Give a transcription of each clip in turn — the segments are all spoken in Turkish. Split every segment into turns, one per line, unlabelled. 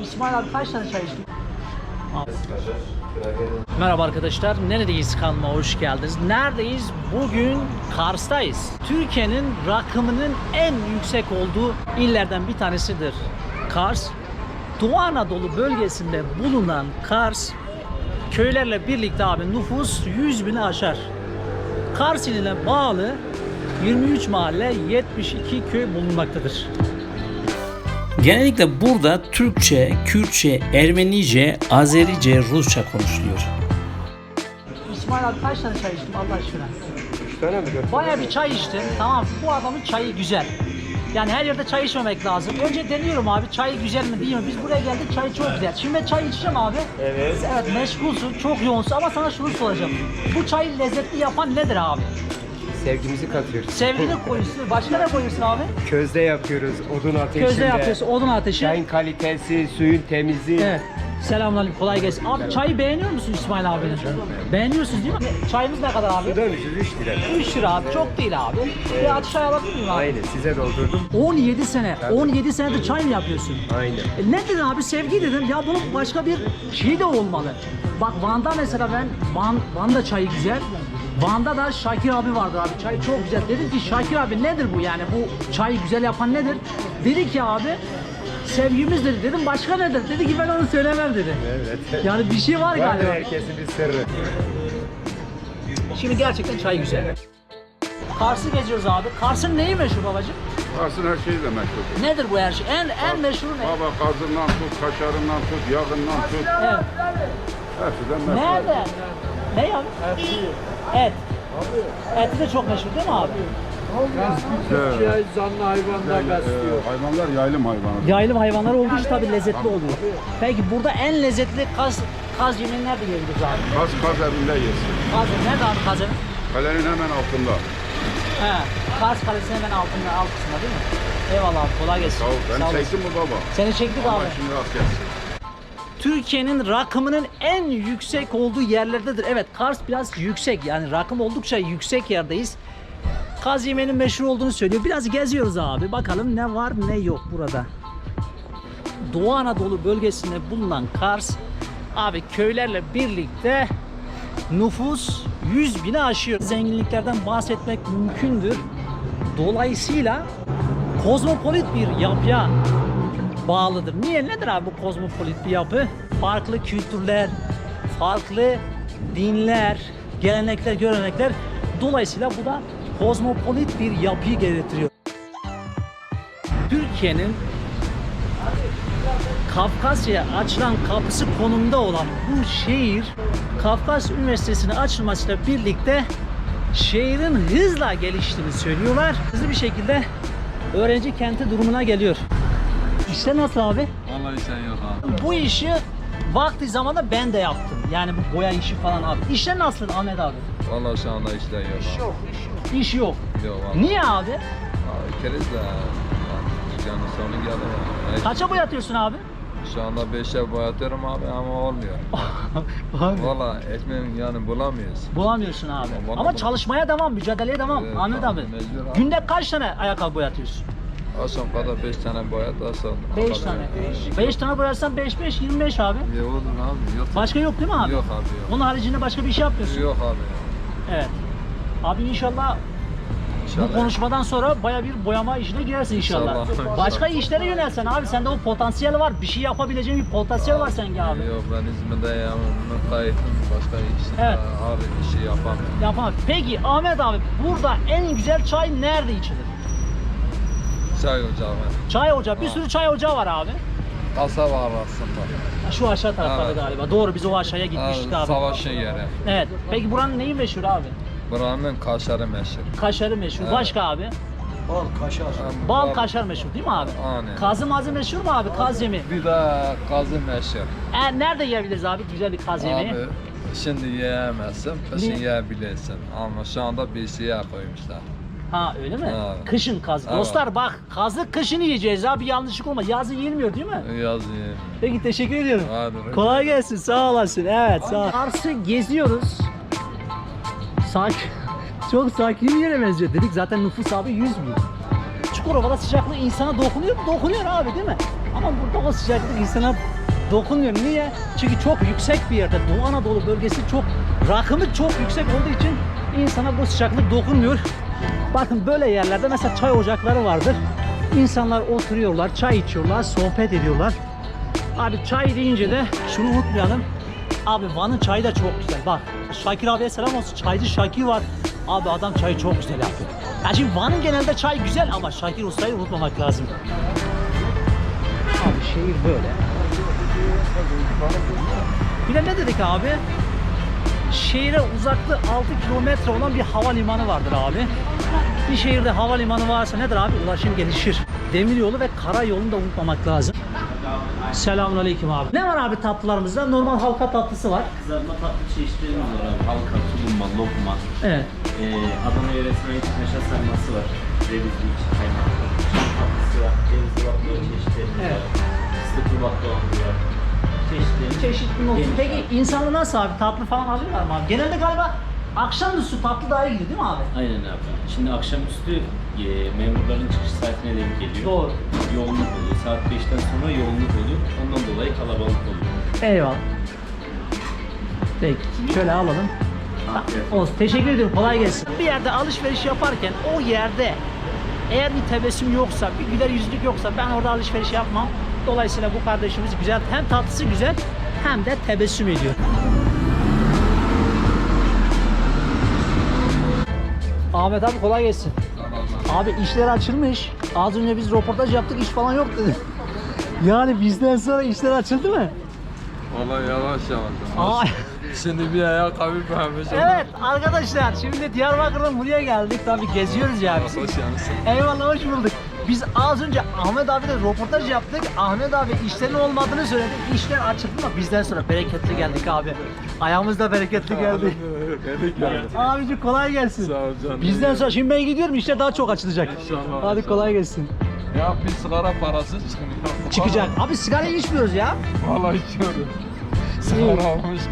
İsmail abi kaç tane çay içtin? Merhaba arkadaşlar, neredeyiz kanalıma hoş geldiniz. Neredeyiz? Bugün Kars'tayız. Türkiye'nin rakımının en yüksek olduğu illerden bir tanesidir Kars. Doğu Anadolu bölgesinde bulunan Kars, köylerle birlikte abi nüfus 100.000'i aşar. Kars iline bağlı 23 mahalle, 72 köy bulunmaktadır. Genellikle burada Türkçe, Kürtçe, Ermenice, Azerice, Rusça konuşuluyor. İsmail abi kaç tane çay içtin Allah aşkına?
3 tane mi? 4 tane
Bayağı
mi?
bir çay içtim. Tamam, bu adamın çayı güzel. Yani her yerde çay içmemek lazım. Önce deniyorum abi, çayı güzel mi değil mi? Biz buraya geldik, çay çok güzel. Şimdi ben çay içeceğim abi.
Evet.
Evet, meşgulsun, çok yoğunsun ama sana şunu soracağım. Bu çayı lezzetli yapan nedir abi?
Sevgimizi katıyoruz.
Sevgini koyuyorsun. Başka ne koyuyorsun abi?
Közde yapıyoruz, odun ateşinde.
Közde yapıyorsun, odun ateşi.
Çayın kalitesi, suyun temizliği.
Evet. Selamünaleyküm, kolay gelsin. Abi çayı beğeniyor musun İsmail abinin? Beğeniyorsunuz değil mi? Çayımız ne kadar abi?
Sudan ucuz 3 lira.
3 lira abi, çok değil abi. Bir aç çay alabilir miyim abi?
Aynen, size doldurdum.
17 sene,
Tabii.
17 senedir çay mı yapıyorsun?
Aynen.
Ne dedin abi, sevgi dedim ya, bunun başka bir şey de olmalı. Bak Van'da mesela Van'da çayı güzel. Van'da da Şakir abi vardı abi, çay çok güzel. Dedim ki Şakir abi nedir bu yani, bu çayı güzel yapan nedir? Dedi ki abi sevgimizdir. Dedim başka nedir? Dedi ki ben onu söylemem dedi.
Evet.
Yani bir şey var
Var
galiba.
herkesin bir sırrı.
Şimdi gerçekten çay güzel. Kars'ı geziyoruz abi. Kars'ın neyi meşhur babacığım?
Kars'ın her şeyiyle meşhur.
Nedir bu her şey? En meşhur ne?
Baba kazından tut, kaşarından tut, yağından tut.
Evet.
Hepsinden meşhur.
Nerede? Ne abi? Et. Eti de çok meşhur değil mi abi?
Evet.
Zanlı hayvanlar
Hayvanlar yaylım hayvanı.
Yaylım hayvanlar olduğu için tabii lezzetli oluyor. Peki burada en lezzetli kaz yemeğini nerede yiyebiliriz abi?
Kaz evinde yesin.
Kaz nerede abi kaz evi?
Kalenin hemen altında.
He. Kars Kalesi'nin hemen altında, alt kısmında değil mi? Eyvallah abi, kolay gelsin.
Sağ ol.
Sağ
Ben
olasın.
çektim mi baba?
Seni çektik
Ama
abi.
şimdi rast gelsin.
Türkiye'nin rakımının en yüksek olduğu yerlerdedir. Evet, Kars biraz yüksek, yani rakım oldukça yüksek yerdeyiz. Kaz yemeğinin meşhur olduğunu söylüyor. Biraz geziyoruz abi. Bakalım ne var ne yok burada. Doğu Anadolu bölgesinde bulunan Kars abi köylerle birlikte nüfus 100.000'i aşıyor. Zenginliklerden bahsetmek mümkündür. Dolayısıyla kozmopolit bir yapıya bağlıdır. Niye? Nedir abi bu kozmopolit bir yapı? Farklı kültürler, farklı dinler, gelenekler, görenekler. Dolayısıyla bu da kozmopolit bir yapıyı gerektiriyor. Türkiye'nin Kafkasya'ya açılan kapısı konumunda olan bu şehir, Kafkasya Üniversitesi'nin açılmasıyla birlikte şehrin hızla geliştiğini söylüyorlar. Hızlı bir şekilde öğrenci kenti durumuna geliyor. İşte nasıl abi?
Vallahi sen yok abi.
Bu işi vakti zamanında ben de yaptım. Yani bu boya işi falan abi. İşler nasıl Ahmet abi?
Vallahi şu anda işler yok abi.
İş yok.
Yok vallahi.
Niye abi?
Abi keriz de dükkanın sonu geldi. Yani
Kaça boyatıyorsun abi?
şu anda 5'e boyatıyorum abi ama olmuyor.
Abi.
Vallahi ekmeğin yani bulamıyoruz.
Bulamıyorsun abi.
Vallahi
Ama çalışmaya devam, mücadeleye devam.
Evet,
Ahmet abi.
mecbur abi.
Günde kaç tane ayakkabı boyatıyorsun?
Akşam kadar 5 tane boyat asıl.
5 tane. 5 tane boyarsan 5 25 abi.
Ya olur abi yok.
Başka yok değil mi abi?
Yok abi yok.
Onun haricinde başka bir şey yapmıyorsun.
Yok abi.
Evet. Abi inşallah bu
İnşallah.
konuşmadan sonra baya bir boyama işine girersin inşallah.
İnşallah.
Başka işlere yönelsen abi, sende o potansiyel var. Bir şey yapabileceğin bir potansiyel var sende abi.
Yok ben İzmir'de kayıtım başka iş.
Evet.
Abi işi yapamıyorum.
Yapamam. Peki Ahmet abi, burada en güzel çay nerede içilir?
Çay ocağı var.
Çay ocağı. Bir sürü çay ocağı var abi.
Kasaba arasında.
Şu aşağı taraflarda
Evet.
galiba. Doğru, biz o aşağıya gitmiştik abi.
Savaşın yeri.
Evet. Peki buranın neyi meşhur abi?
Buranın kaşarı meşhur.
Kaşarı meşhur.
Evet.
Başka abi? Bal kaşar meşhur değil mi abi?
Aynen.
Kazı mazı meşhur mu abi? Kaz yemeği.
Bir de kazı meşhur.
Nerede yiyebiliriz abi güzel bir kaz yemeği?
Abi şimdi yiyemezsin, kışın
Niye?
yiyebilirsin. Ama şu anda bir şeye koymuşlar.
Ha öyle mi?
Evet.
Kışın kaz.
Evet.
Dostlar bak, kazı kışın yiyeceğiz abi, yanlışlık olmaz. Yazın yenmiyor değil mi?
Yaz yiyin.
Peki teşekkür ediyorum.
Hadi.
Kolay gelsin, sağ olasın. Evet, sağ ol. Kars'ı geziyoruz. Çok sakin bir yere benziyor. Dedik zaten nüfus abi 100.000. Çukurova'da sıcaklık insana dokunuyor mu? Dokunuyor abi değil mi? Ama burada o sıcaklık insana dokunmuyor. Niye? Çünkü çok yüksek bir yerde. Doğu Anadolu bölgesi çok, rakımı çok yüksek olduğu için insana bu sıcaklık dokunmuyor. Bakın böyle yerlerde mesela çay ocakları vardır. İnsanlar oturuyorlar, çay içiyorlar, sohbet ediyorlar. Abi çay deyince de şunu unutmayalım. Abi Van'ın çayı da çok güzel. Bak Şakir abiye selam olsun. Çaycı Şakir var. Abi adam çayı çok güzel yapıyor. Yani şimdi Van'ın genelde çay güzel ama Şakir Usta'yı unutmamak lazım. Abi şehir böyle. Bir de ne dedik abi? Şehire uzaklığı 6 kilometre olan bir havalimanı vardır abi. Bir şehirde havalimanı varsa nedir abi? Ulaşım gelişir. Demiryolu ve karayolunu da unutmamak lazım. Selamünaleyküm abi. Ne var abi tatlılarımızda? Normal halka tatlısı var.
Kızartma tatlı çeşitlerimiz var abi. Halka, tulumba, lokma.
Evet.
Adana yöresine ait kaşar sarması var. Cevizli içi kaymaklı. Tatlısı var. Cevizli baklava çeşitlerimiz
Evet.
var. Fıstıklı baklavamız var. Çeşitlerimiz.
Çeşitli olsun.
Geniş
Peki
abi.
insanlar nasıl abi? Tatlı falan alıyorlar mı abi? Genelde galiba akşamüstü tatlı daha iyi gidiyor değil mi abi?
Aynen abi. Şimdi akşamüstü memurların çıkış saatine denk geliyor.
Doğru.
Yoğunluk oluyor. Saat 5'ten sonra yoğunluk oluyor. Ondan dolayı kalabalık oluyor.
Eyvallah. Peki şöyle alalım.
Afiyet
Olsun. Teşekkür ediyorum. Kolay gelsin. Bir yerde alışveriş yaparken o yerde eğer bir tebessüm yoksa, bir güler yüzlük yoksa ben orada alışveriş yapmam. Dolayısıyla bu kardeşimiz güzel. Hem tatlısı güzel hem de tebessüm ediyor. Ahmet abi kolay gelsin. Abi işler açılmış. Az önce biz röportaj yaptık, iş falan yok dedi. Yani bizden sonra işler açıldı mı?
Vallahi yavaş yavaş.
Aa,
Şimdi bir ayakkabı pembe.
evet arkadaşlar şimdi Diyarbakır'dan buraya geldik. Tabii geziyoruz ya biz.
Hoş yansın.
Eyvallah hoş bulduk. Biz az önce Ahmet abiyle röportaj yaptık. Ahmet abi işlerin olmadığını söyledi. İşler açıldı ama bizden sonra bereketli geldik abi. Ayağımızda bereketli geldi. Abici kolay gelsin.
Sağ ol canım.
Bizden sonra şimdi ben gidiyorum işler daha çok açılacak.
İnşallah.
Hadi kolay gelsin.
Ya bir sigara parası çıkmıyor.
Çıkacak. Abi sigara içmiyoruz ya.
Vallahi içiyorum. Sigara almış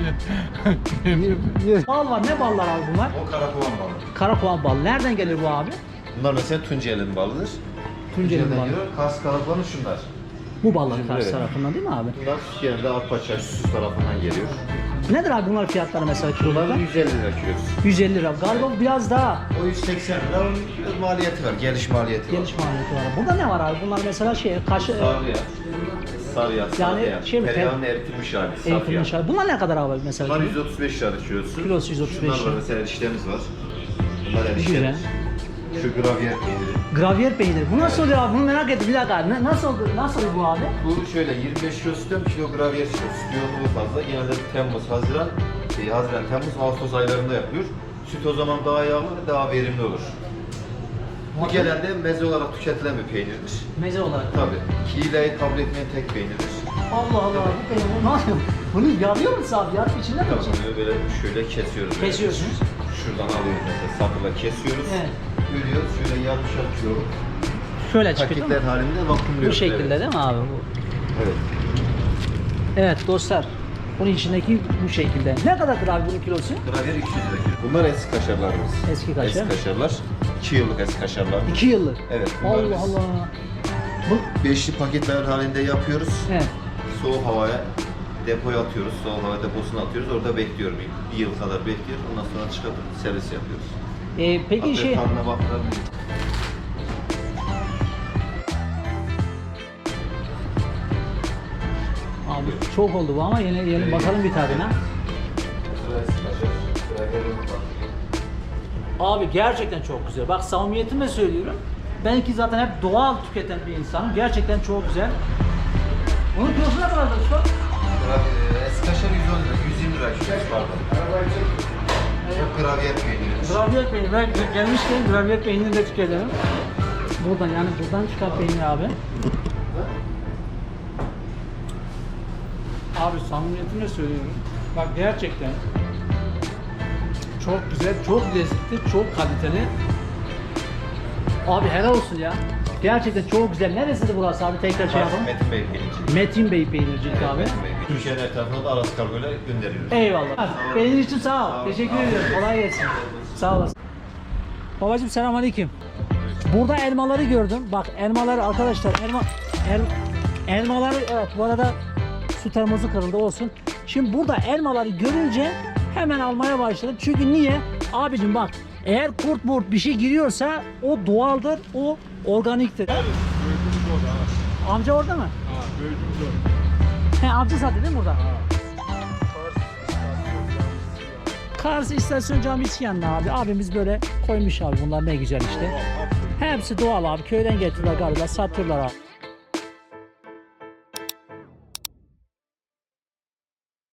ki.
Bal var. Ne ballar abi bunlar?
O karakovan balı.
Karakoğan bal. Nereden gelir bu abi?
Bunlar mesela Tunceli'nin balıdır.
Tunceli'nin balı.
geliyor. Kars karakovanı şunlar.
Bu ballar karşı
Evet.
tarafından değil mi abi?
Bunlar genelde Arpaçay, Süs tarafından geliyor.
Nedir abi bunlar fiyatları mesela
Bunlar
kilolarda?
150 lira kilosu.
150 lira. Galiba biraz daha
O 180 lira. Onun biraz maliyeti var. Geliş maliyeti var.
geniş maliyeti var. Burada ne var abi? Bunlar mesela kaşı
Sarı yağ. Sarı yağ,
Yani
sade yağ.
şey mi,
Tereyağının eritilmiş hali. Saf yağ.
eğitimli şarj. Bunlar ne kadar abi mesela?
Bunlar 135 lira kilosu.
Kilosu 135
Şunlar var
lira.
mesela eriştemiz var. Bunlar
Güzel.
eriştemiz. Şu gravyer peyniri.
Gravyer peyniri. Bu nasıl oluyor abi? Bunu merak ettim. Bir dakika. Nasıl oldu? Nasıl oluyor bu abi?
Bu şöyle 25 kilo sütten 1 kilo gravyer çıkıyor. Süt yoğunluğu fazla. Genelde Temmuz, Temmuz, Ağustos aylarında yapılıyor. Süt o zaman daha yağlı ve daha verimli olur. Bu genelde meze olarak tüketilen bir peynirdir.
Meze olarak.
Tabii. Kileyi kabul etmeyen tek peynirdir.
Allah Allah. Bu peynir. Ne yapıyor? Bunu yarıyor musun abi? Yarıp içinde mi?
Tabii bunu böyle şöyle kesiyoruz. böyle.
Kesiyorsunuz.
Şuradan alıyoruz mesela sapla kesiyoruz.
Evet.
Bölüyoruz şöyle yarmışar kilo.
Şöyle çıkıyor değil
Paketler
mi?
halinde
Bu
vakumluyoruz.
şekilde
Evet.
değil mi abi? Bu.
Evet.
Evet dostlar. Bunun içindeki bu şekilde. Ne kadardır abi bunun kilosu?
Gravyer 200 lira kilo. Bunlar eski kaşarlarımız.
Eski kaşar.
Eski kaşarlar. 2 yıllık eski kaşarlar.
2 yıllık.
Evet. bunlar
Allah
biz
Allah. Bu,
Beşli paketler halinde yapıyoruz.
evet.
Soğuk havaya depoya atıyoruz. Soğuk hava deposuna atıyoruz. Orada bekliyorum. Bir yıl kadar bekliyor. Ondan sonra çıkartıp servis yapıyoruz.
Peki
Hatta
şey...
tadına baktılar.
Abi çok oldu bu ama yine bakalım bir tadına. Abi gerçekten çok güzel. Bak samimiyetimle söylüyorum. Ben ki zaten hep doğal tüketen bir insanım. Gerçekten çok güzel. Bunun kilosu ne kadardır şu an?
Eski kaşar 110 lira, 120 lira kilosu pardon. Bu gravyer peyniridir.
Gravyer peyniri. Ben gelmişken gravyer peynirini de tüketelim. Buradan yani buradan çıkan peynir abi. Abi samimiyetimle söylüyorum. Bak gerçekten çok güzel, çok lezzetli, çok kaliteli. Abi helal olsun ya. Gerçekten çok güzel. Neresidir burası abi? Tekrar şey yapalım.
Metin Bey peynirci.
Metin Bey peynircilik abi.
Metin Bey. Türkiye'nin etrafına da Aras Kargo'yla gönderiyoruz.
Eyvallah. Peynir için sağ ol. Teşekkür ediyorum. Kolay gelsin. Sağ olasın. Babacım selamünaleyküm. Burada elmaları gördüm. Bak elmaları arkadaşlar elmaları evet bu arada su termosu kırıldı olsun. Şimdi burada elmaları görünce hemen almaya başladım. Çünkü niye? Abicim bak, eğer kurt murt bir şey giriyorsa o doğaldır, o organiktir. Amca orada mı? He, amca zaten değil mi burada? Kars İstasyon Camisi yanında abi. Abimiz böyle koymuş abi, bunlar ne güzel işte. Hepsi doğal abi. Köyden getiriyorlar galiba, satıyorlar abi.